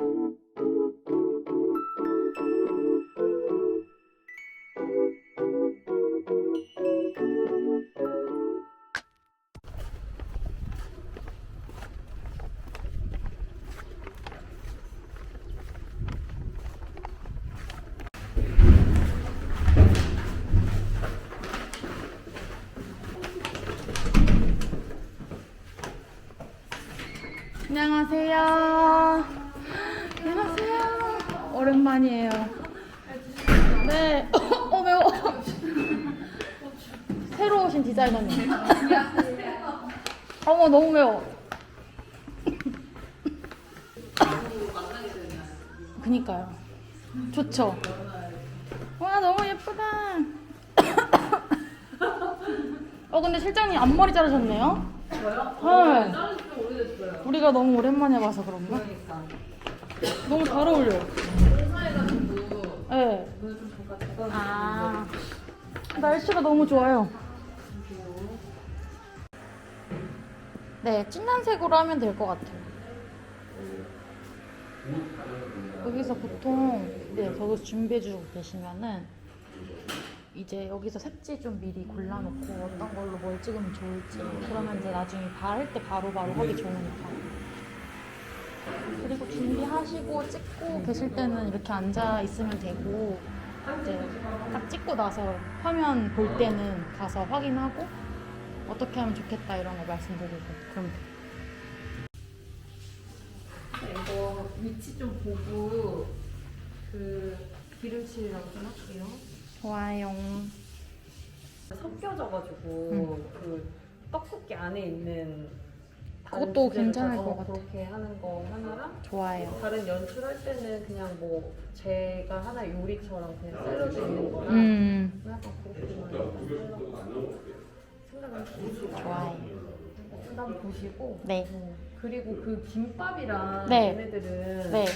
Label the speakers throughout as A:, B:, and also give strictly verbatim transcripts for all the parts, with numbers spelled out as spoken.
A: 안녕하세요. 안녕하세요. 오랜만이에요. 네. 어, 매워. 새로 오신 디자이너님. 어머, 너무 매워. 그니까요. 좋죠? 와, 너무 예쁘다. 어, 근데 실장님 앞머리 자르셨네요?
B: 저요?
A: 네.
B: 자른 지 좀 오래됐어요.
A: 우리가 너무 오랜만에 봐서 그런가?
B: 그러니까.
A: 너무 잘 어울려요.
B: 회사해가지고
A: 네.
B: 오늘 좀 잠깐 잠깐.
A: 아, 날씨가 너무 좋아요. 네, 진한 색으로 하면 될 것 같아요. 여기서 보통 네, 저도 준비해주고 계시면은 이제 여기서 색지 좀 미리 골라놓고 어떤 걸로 뭘 찍으면 좋을지, 그러면 이제 나중에 바를 때 바로바로 하기 좋으니까. 그리고 준비하시고 찍고 계실 때는 이렇게 앉아 있으면 되고, 이제 딱 찍고 나서 화면 볼 때는 가서 확인하고 어떻게 하면 좋겠다 이런 거 말씀드리고 그러면 돼요.
B: 이거 위치 좀 보고 그 기름칠이라고 좀 할게요.
A: 좋아요.
B: 섞여져가지고
A: 응.
B: 그 떡볶이 안에 있는 다른
A: 그것도
B: 주제를
A: 괜찮을
B: 다-
A: 것
B: 어,
A: 같아.
B: 그렇게 하는 거 하나랑
A: 좋아요.
B: 다른 연출할 때는 그냥 뭐 제가 하나 요리처럼 그냥 샐러드 있는 거랑
A: 음,
B: 약간 그렇게만 하려고 생각을 해보시고
A: 좋아요.
B: 한번 보시고
A: 네.
B: 어, 그리고 그 김밥이랑
A: 네.
B: 얘네들은
A: 네.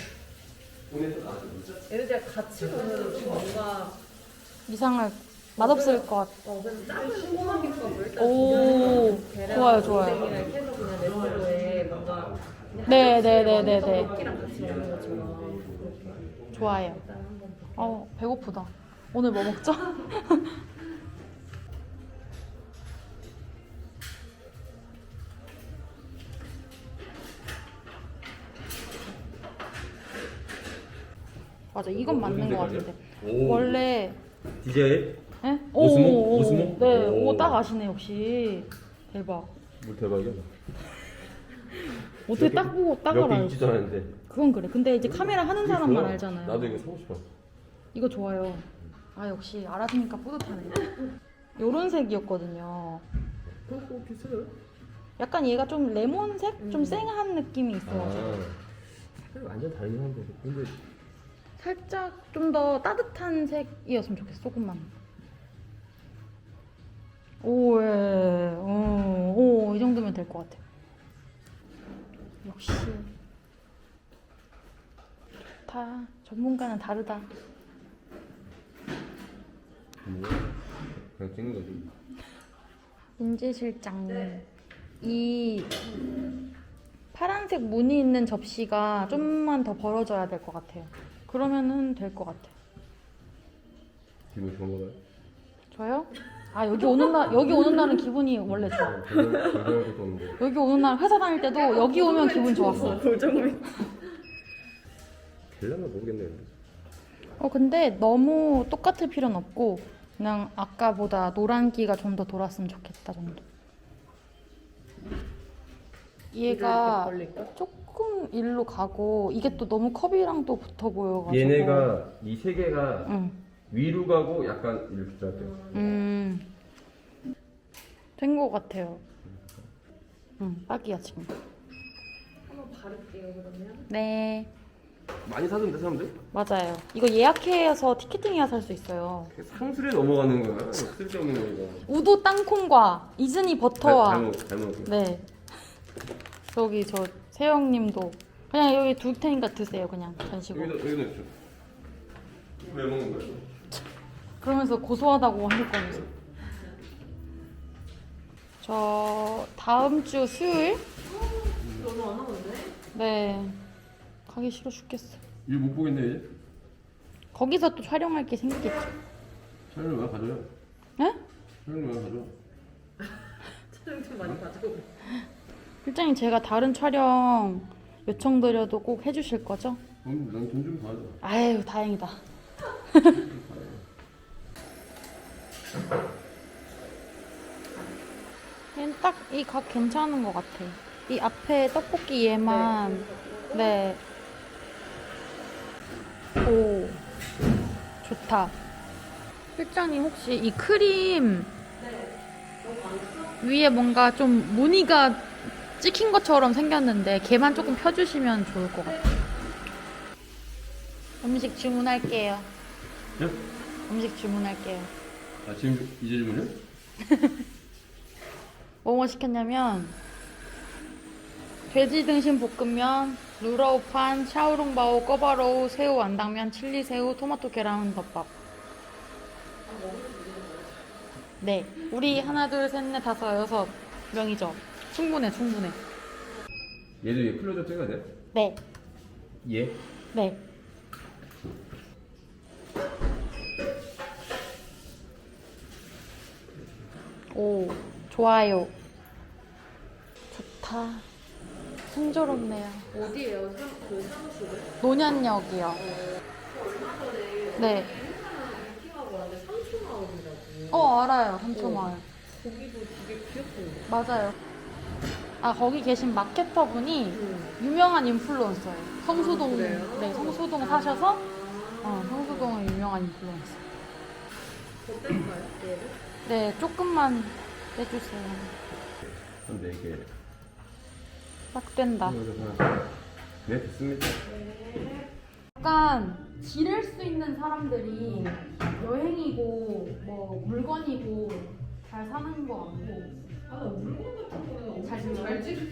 B: 얘네들 같이 보면 좀 뭔가
A: 이상할 맛없을 것 같아.
B: 어 그래서 작은 꼬마김밥을 일단
A: 오,
B: 계란
A: 좋아요, 좋아요.
B: 오뎅이랑 이렇게 해서 그냥 넷으로에 뭔가 그냥
A: 네,
B: 하나씩
A: 네, 네,
B: 먼저
A: 네, 네.
B: 떡볶이랑 같이 먹는 것처럼 그렇게
A: 좋아요.
B: 일단 한번 볼게요.
A: 어, 배고프다. 오늘 뭐 먹죠? 맞아, 이건 맞는 것 같은데.
C: 오.
A: 원래
C: 디제이?
A: 에?
C: 오스모?
A: 오, 오,
C: 오스모?
A: 네,
C: 오.
A: 오, 딱 아시네 역시. 대박.
C: 뭘 대박이야?
A: 어떻게 딱 보고 딱 알아요?
C: 여기 있지도 않았는데.
A: 그건 그래. 근데 이제 카메라 하는
C: 이게
A: 사람만
C: 좋아.
A: 알잖아요.
C: 나도 이거 사고 싶어.
A: 이거 좋아요. 아, 역시 알아주니까 뿌듯하네. 요런 색이었거든요.
C: 그거 비싸요?
A: 약간 얘가 좀 레몬색? 좀
B: 음.
A: 쌩한 느낌이
C: 아,
A: 있어가지고
C: 색이 완전 다르긴 한데. 근데
A: 살짝 좀 더 따뜻한 색이었으면 좋겠어. 조금만. 오, 예. 어, 오, 이 정도면 될 것 같아. 역시 좋다. 전문가는 다르다.
C: 뭐야? 그냥 찍는 거지.
A: 민지 실장님, 이 파란색 무늬 있는 접시가 좀만 더 벌어져야 될 것 같아요. 그러면은 될 것 같아.
C: 기분 좋은 거가요?
A: 저요? 아, 여기 오는 날 여기 오는 날은 기분이 원래 좋아.
C: 결정도 없는데.
A: 여기 오는 날 회사 다닐 때도 여기 오면 기분 좋았어.
B: 고정을
C: 될려나 모르겠네. 근데.
A: 어, 근데 너무 똑같을 필요는 없고 그냥 아까보다 노란기가 좀 더 돌았으면 좋겠다 정도. 얘가
B: 벌릴까?
A: 조금 일로 가고 이게 또 너무 컵이랑 또 붙어 보여가지고.
C: 얘네가 이 세 개가
A: 응.
C: 위로 가고 약간 이렇게 들어갈게요.
A: 음. 된 것 같아요. 응, 딱이야 지금.
B: 한번 바를게요 그러면.
A: 네,
C: 많이 사던데 사람들?
A: 맞아요. 이거 예약해서 티켓팅해야 살 수 있어요.
C: 상술에 넘어가는 거야. 쓸데없는 거 이거.
A: 우도 땅콩과 이즈니 버터와.
C: 잘못 잘못.
A: 네. 저기 저 세영님도 그냥 여기 둘 테니까 드세요. 그냥 전시고.
C: 여기다 여기다 줘. 왜 먹는 거야?
A: 그러면서 고소하다고 하실 거면서. 저 다음 주 수요일?
B: 너무 안 하는데?
A: 네. 가기 싫어 죽겠어.
C: 일 못 보겠네 이제.
A: 거기서 또 촬영할 게 생기겠지.
C: 촬영을 왜 가져요?
A: 응?
C: 촬영을 왜 가져?
B: 촬영 좀 많이 가지고.
A: 실장님 제가 다른 촬영 요청드려도 꼭 해주실 거죠?
C: 그럼 난 돈 좀 받아.
A: 아유 다행이다. 얘는 딱 이 각 괜찮은 것 같아. 이 앞에 떡볶이 얘만 네. 오 좋다. 실장님 혹시 이 크림 위에 뭔가 좀 무늬가 찍힌 것처럼 생겼는데 걔만 조금 펴주시면 좋을 것 같아요. 음식 주문할게요.
C: 예?
A: 음식 주문할게요.
C: 아 지금 이제 주문이요?
A: 뭐뭐 시켰냐면 돼지 등심 볶음면, 루라우판, 샤오롱바오, 꺼바로우, 새우 완당면, 칠리 새우, 토마토 계란 덮밥. 네, 우리 하나 둘 셋 넷 다섯 여섯 명이죠. 충분해 충분해.
C: 얘도 얘 클로즈업 찍어야 돼?
A: 네,
C: 얘?
A: 네. 오, 좋아요. 좋다. 순조롭네요.
B: 어디에요? 사, 그 사무실은?
A: 노년역이요.
B: 얼마 전에
A: 네.
B: 미팅하고 왔는데 삼촌마을이라고.
A: 어, 알아요. 삼초마을.
B: 거기도 되게 귀엽던데.
A: 맞아요. 아, 거기 계신 마케터 분이
B: 응.
A: 유명한 인플루언서예요. 성수동,
B: 아, 그래요?
A: 네, 성수동 사셔서, 어, 성수동은 유명한 인플루언서.
B: 어땠어요? 얘를?
A: 네, 조금만 해주세요.
C: 근데 이게
A: 딱 된다.
C: 네 됐습니다.
A: 약간 지낼 수 있는 사람들이 여행이고, 뭐, 물건이고, 잘 사는 것 같고.
B: 아, 나 물건 같은 거는
A: 잘
B: 엄청
A: 지내요?
B: 잘 지르.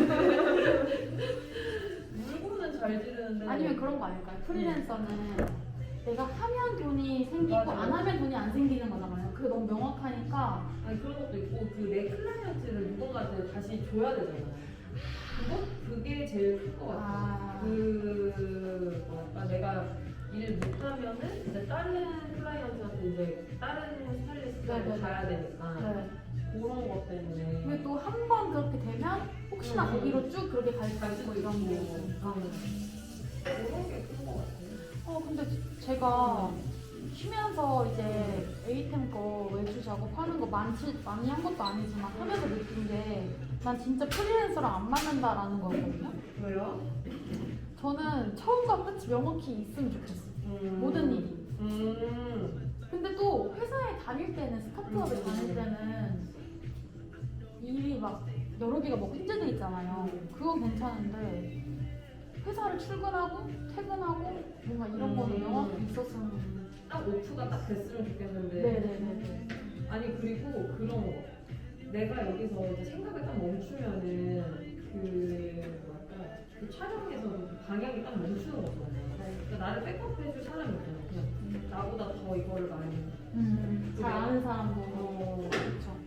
B: 물건은 잘 지르는데.
A: 아니면 그런 거 아닐까요? 프리랜서는 내가 하면 돈이 생기고
B: 맞아.
A: 안 하면 돈이 안 생기는 거잖아요. 그게 너무 명확하니까.
B: 아니 그런 것도 있고 그 내 클라이언트를 누군가한테 다시 줘야 되잖아요. 그거 그게 제일 클 것 같아.
A: 아.
B: 그 뭐랄까 내가 일을 못하면은 이제 다른 클라이언트한테 이제 다른 스타일리스트를
A: 네네네.
B: 가야 되니까
A: 네.
B: 그런 것 때문에.
A: 근데 또 한 번 그렇게 되면 혹시나
B: 음.
A: 거기로 쭉 그렇게 갈 수 있고 이런 게 있으니까.
B: 그런 게 큰 것 같아요.
A: 어 근데 제가 쉬면서 이제 에이템 거 외주 작업하는 거 많지 많이 한 것도 아니지만 하면서 느낀 게 난 진짜 프리랜서랑 안 맞는다라는 거거든요.
B: 왜요?
A: 저는 처음과 끝이 명확히 있으면 좋겠어.
B: 음.
A: 모든 일이.
B: 음.
A: 근데 또 회사에 다닐 때는 스타트업에
B: 음.
A: 다닐 때는 일이 막 여러 개가 뭐 혼재돼 있잖아요. 그건 괜찮은데 회사를 출근하고 퇴근하고 뭔가 이런 거는
B: 음.
A: 명확히 있었으면.
B: 딱 오프가 딱 됐으면 좋겠는데.
A: 네네네.
B: 아니 그리고 그런 거 내가 여기서 이제 생각을 딱 멈추면은 그 뭐랄까 그 촬영에서도 그 방향이 딱 멈추는 거잖아요. 그러니까 나를 백업해줄 사람이 없잖아요. 그냥 나보다 더 이거를 많이
A: 음, 잘 아는 사람도
B: 어,
A: 그렇죠.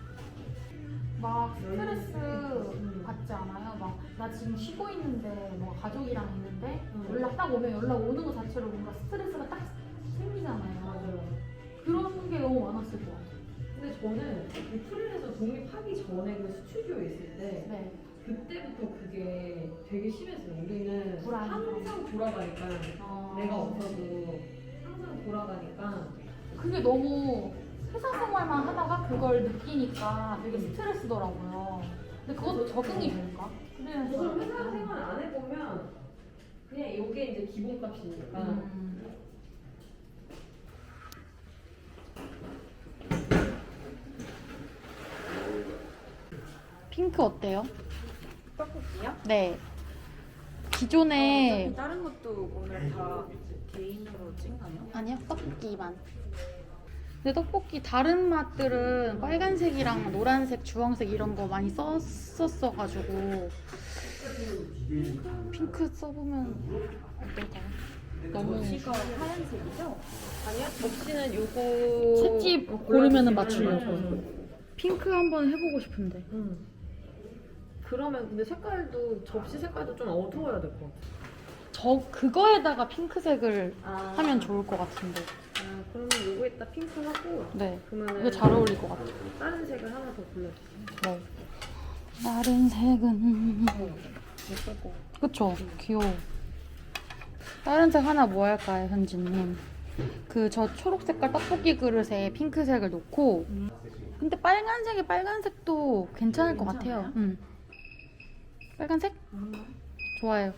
A: 막 스트레스
B: 음.
A: 받지 않아요? 막 나 지금 쉬고 있는데 뭐 가족이랑 있는데
B: 음.
A: 연락 딱 오면 연락 오는 것 자체로 뭔가 스트레스가 딱 생기잖아요.
B: 맞아요.
A: 그런 게 너무 많았을 것 같아요.
B: 근데 저는 이 프리랜서 독립하기 전에 그 스튜디오에 있을 때
A: 네.
B: 그때부터 그게 되게 심했어요. 우리는
A: 불안.
B: 항상 돌아가니까
A: 어...
B: 내가 없어도 항상 돌아가니까
A: 그게 너무 회사 생활만 하다가 그걸 느끼니까 되게 스트레스더라고요. 근데 그것도 적응이 될까?
B: 그걸
A: 프리랜서.
B: 회사 생활 안 해보면 그냥 이게 이제 기본값이니까
A: 음. 핑크 어때요?
D: 떡볶이요?
A: 네. 기존에
D: 어차피 다른 것도 오늘 다 개인으로 찍나요?
A: 아니요, 떡볶이만. 근데 떡볶이 다른 맛들은 빨간색이랑 노란색, 주황색 이런 거 많이 썼었어가지고 핑크 써보면 어떨까요? 너무
D: 접시가 하얀색이죠?
B: 아니야? 접시는 요거
A: 채집 고르면은 맞추려고. 핑크 한번 해보고 싶은데.
B: 음. 그러면 근데 색깔도 접시 색깔도 좀 어두워야 될 것 같아.
A: 저 그거에다가 핑크색을
B: 아.
A: 하면 좋을 것 같은데.
B: 아 그러면 요거에다 핑크 하고
A: 네.
B: 그러면은
A: 이거 잘 어울릴 것 같아요.
B: 다른 색을 하나 더 골라주세요.
A: 네. 다른 색은
B: 예쁠 것 같아.
A: 그쵸? 귀여워. 다른 색 하나 뭐 할까요, 현지님? 그 저 초록 색깔 떡볶이 그릇에 핑크색을 놓고 근데 빨간색이 빨간색도 괜찮을 것 같아요. 응. 빨간색? 좋아요.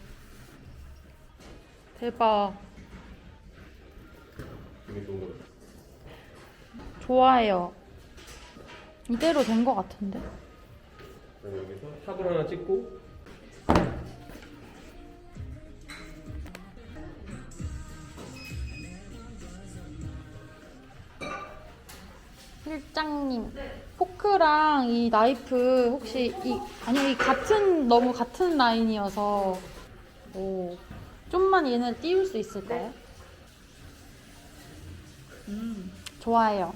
A: 대박.
C: 이게 좋은 거 같아.
A: 좋아요. 이대로 된 것 같은데.
C: 그럼 여기서 탑을 하나 찍고
A: 실장님, 포크랑 이 나이프 혹시 이 아니요 이 같은 너무 같은 라인이어서 오 좀만 얘네를 띄울 수 있을까요? 음 좋아요.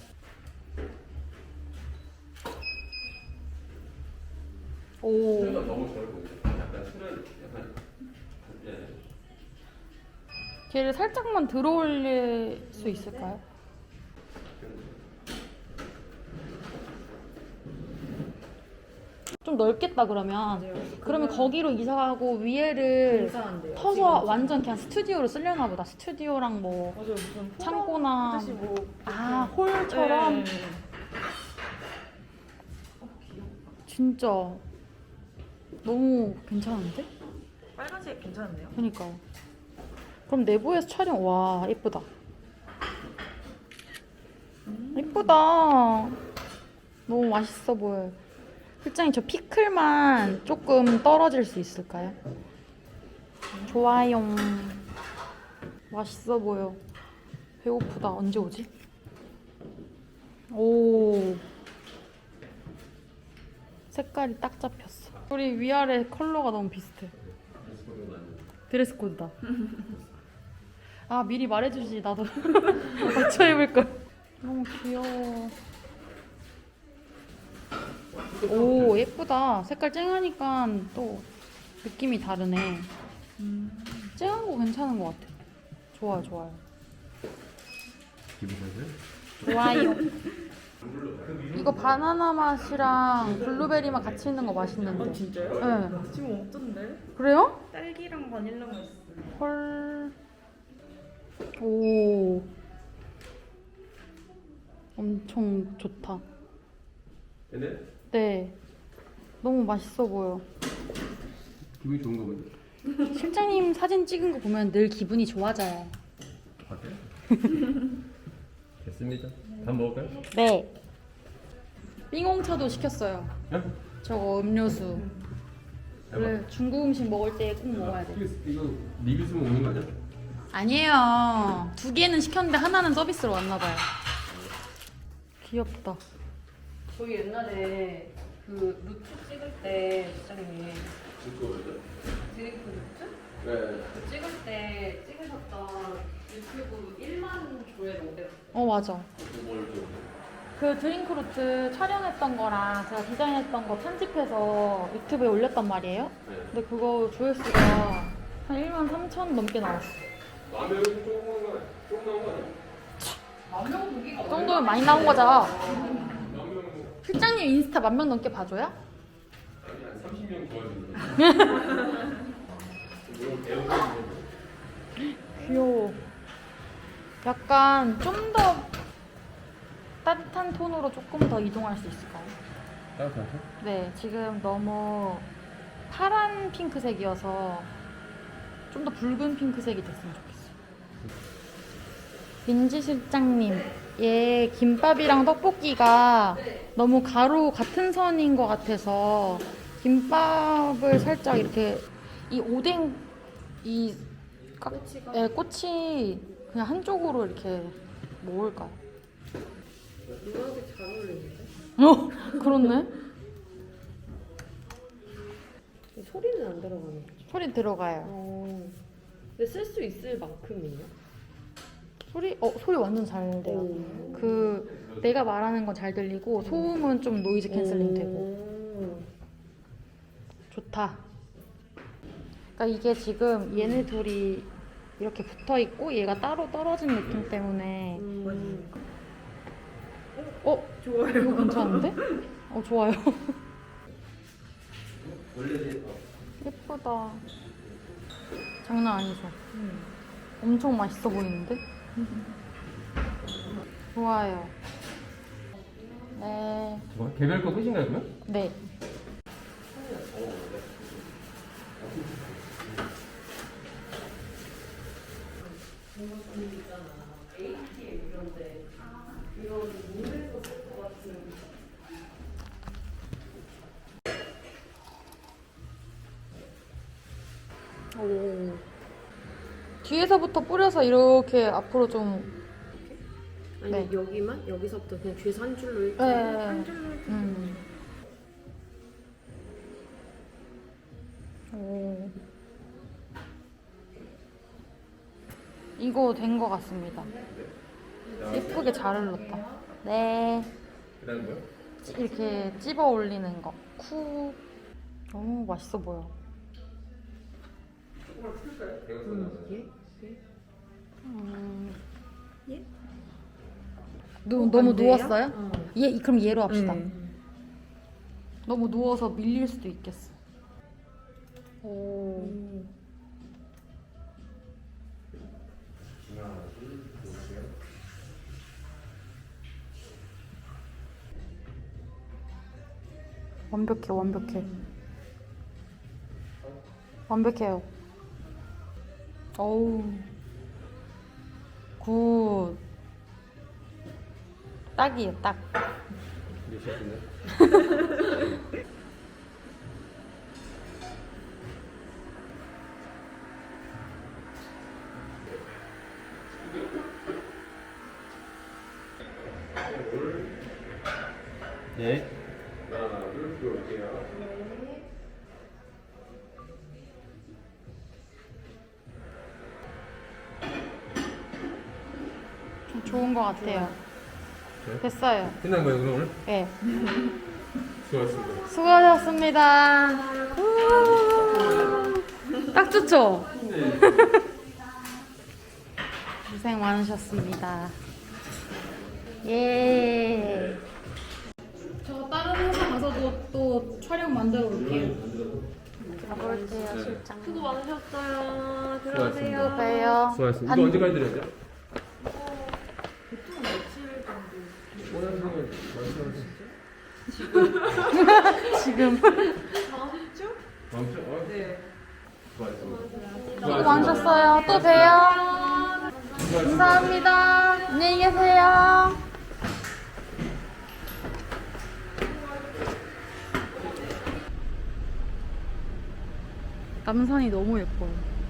A: 오
C: 술가 너무 잘 보이네. 약간 술을 약간 예.
A: 걔를 살짝만 들어올릴 수 있을까요? 좀 넓겠다 그러면. 그러면 거기로 이사 가고 위에를
B: 이상한데요.
A: 터서 완전 그냥 스튜디오로 쓰려나 보다. 스튜디오랑 뭐
B: 맞아요. 무슨
A: 창고나
B: 하듯이 뭐
A: 아 홀처럼.
B: 네.
A: 진짜 너무 괜찮은데?
D: 빨간색 괜찮은데요?
A: 그러니까. 그럼 내부에서 촬영 와 예쁘다. 예쁘다. 너무 맛있어 보여요. 실장님 저 피클만 조금 떨어질 수 있을까요? 좋아요. 맛있어 보여. 배고프다. 언제 오지? 오. 색깔이 딱 잡혔어. 우리 위아래 컬러가 너무 비슷해. 드레스 코드다. 아 미리 말해주지 나도 맞춰 입을 걸. 너무 귀여워. 오 예쁘다. 색깔 쨍하니까 또 느낌이 다르네. 쨍한 거 괜찮은 것 같아. 좋아요 좋아요.
C: 기분 좋으세요?
A: 좋아요. 이거 바나나 맛이랑 블루베리 맛 같이 있는 거 맛있는데.
D: 어, 진짜요?
A: 네.
D: 지금 없던데?
A: 그래요?
D: 딸기랑 바닐라가 있어요.
A: 헐. 오. 엄청 좋다.
C: 근데
A: 네. 너무 맛있어 보여.
C: 기분이 좋은 거 보네.
A: 실장님 사진 찍은 거 보면 늘 기분이 좋아져요.
C: 같아요? 됐습니다. 밥 먹을까요?
A: 네. 빙홍차도 시켰어요.
C: 예?
A: 저거 음료수. 원래 중국 음식 먹을 때 꼭 먹어야 돼.
C: 이거, 이거 리뷰 쓰면 오는 거 아니야?
A: 아니에요. 두 개는 시켰는데 하나는 서비스로 왔나 봐요. 귀엽다.
B: 저희 옛날에 그 루트 찍을 때 시장님 드링크 루트?
C: 네.
B: 찍을 때 찍으셨던 유튜브 일만 조회를 오래
A: 어 맞아. 그 드링크루트 촬영했던 거랑 제가 디자인했던 거 편집해서 유튜브에 올렸단 말이에요. 근데 그거 조회수가 한 일만 삼천 넘게 나왔어.
C: 라면 조금 나온 거 조금 나온 거 아니야?
B: 만 명 보기가
A: 그 정도면 많이 나온 거죠. 실장님 인스타 만 명 넘게 봐줘요?
C: 아니 한 삼십 명 좋아지는 물론 배우는
A: 귀여워. 약간 좀 더 따뜻한 톤으로 조금 더 이동할 수 있을까요?
C: 따뜻하죠?
A: 네, 지금 너무 파란 핑크색이어서 좀 더 붉은 핑크색이 됐으면 좋겠어요. 민지 실장님, 얘 김밥이랑 떡볶이가 너무 가로 같은 선인 것 같아서 김밥을 살짝 이렇게 이 오뎅 이 깍, 예, 꽃이 그냥 한쪽으로 이렇게 모을까요?
B: 노란색 잘 어울리는데?
A: 어, 그렇네.
B: 소리는 안 들어가는 거죠?
A: 소리 들어가요.
B: 어. 근데 쓸 수 있을 만큼이에요?
A: 소리, 어, 소리 완전 잘 돼요.
B: 오.
A: 그 내가 말하는 건 잘 들리고 소음은 좀 노이즈 캔슬링 되고
B: 오.
A: 좋다. 그러니까 이게 지금 얘네 둘이 이렇게 붙어 있고 얘가 따로 떨어진 느낌 때문에
D: 음.
A: 어?
D: 좋아요.
A: 이거 괜찮은데? 어 좋아요.
C: 원래 이제 어,
A: 예쁘다. 장난 아니죠? 엄청 맛있어 보이는데? 좋아요. 네.
C: 뭐 개별 거 끝인가요 그러면?
A: 네. 오. 뒤에서부터 뿌려서 이렇게 앞으로 좀.
D: 아니
A: 네.
D: 여기만 여기서부터 그냥 뒤에서 한 줄로 이렇게
A: 네.
D: 한 줄로 이렇게.
A: 음. 오. 이거 된 것 같습니다. 예쁘게 잘 흘렀다. 네.
C: 그다음 뭐요?
A: 이렇게 찝어 올리는 거. 쿡. 너무 맛있어 보여.
C: 조금만 풀까요? 내가
D: 음,
C: 써놨어요.
D: 예? 예?
A: 음.
D: 예?
A: 누,
D: 어,
A: 너무
D: 안 돼요?
A: 누웠어요?
D: 어.
A: 얘 그럼 얘로 합시다.
D: 네.
A: 너무 누워서 밀릴 수도 있겠어. 오.
D: 음.
C: 하나, 둘, 셋.
A: 완벽해, 완벽해. 완벽해요. 어우. 굿. 딱이에요, 딱.
C: 미쳤네. 네. 하나, 둘, 들어올게요.
A: 좀 좋은 것 같아요.
C: 네?
A: 됐어요.
C: 끝난 거예요 그럼 오늘?
A: 네.
C: 수고하셨습니다.
A: 수고하셨습니다. 우와. 딱 좋죠?
C: 네.
A: 고생 많으셨습니다. 예. 저 다른 회사 가서도 또 촬영 만들어 올게요. 가볼게요, 실장.
D: 수고 많으셨어요.
C: 수고하셨습니다.
D: 들어가세요.
A: 또 봬요.
C: 수고하셨습니다.
A: 반-
C: 이거 언제까지 드려야 돼?
D: 보통 며칠 정도?
C: 원하시는 말씀하세요.
A: 지금.
D: 다음 주?
C: 다음 주? 어?
D: 네.
C: 수고하셨습니다.
A: 수고 많으셨어요. 또 봬요. 감사합니다. 안녕히 계세요. 남산이 너무 예뻐요.